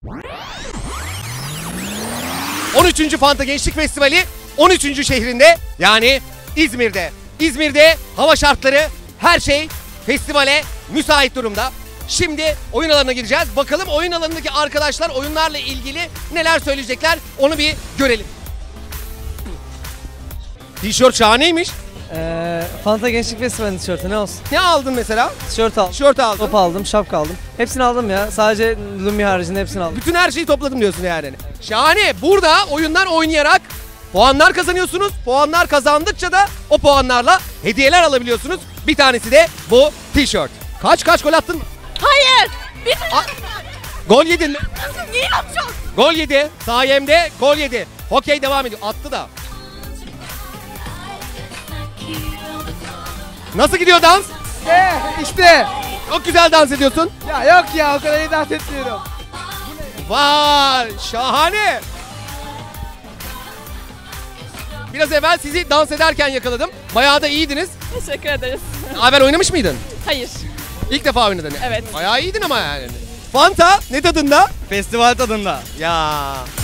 13. Fanta Gençlik Festivali 13. şehrinde, yani İzmir'de. İzmir'de hava şartları, her şey festivale müsait durumda. Şimdi oyun alanına gireceğiz. Bakalım oyun alanındaki arkadaşlar oyunlarla ilgili neler söyleyecekler, onu bir görelim. Tişört şahaneymiş. Fanta Gençlik Festivali tişörtü ne olsun? Ne aldın mesela? Tişört aldım. Tişört aldın. Top aldım, şapka aldım. Hepsini aldım ya. Sadece Lumi haricinde hepsini aldım. Bütün her şeyi topladım diyorsun yani. Şahane. Burada oyunlar oynayarak puanlar kazanıyorsunuz. Puanlar kazandıkça da o puanlarla hediyeler alabiliyorsunuz. Bir tanesi de bu tişört. Kaç gol attın mı? Hayır. Bir Gol yedin mi? nasıl niye yapacağım? Gol yedi. Sayemde gol yedi. Hokey devam ediyor. Attı da. Nasıl gidiyor dans? İşte. Çok güzel dans ediyorsun. Ya yok ya, o kadar iyi dans etmiyorum. Vay, şahane. Biraz evvel sizi dans ederken yakaladım. Bayağı da iyiydiniz. Teşekkür ederiz. Haber oynamış mıydın? Hayır. İlk defa oynadın. Evet. Bayağı iyiydin ama yani. Fanta ne tadında? Festival tadında. Ya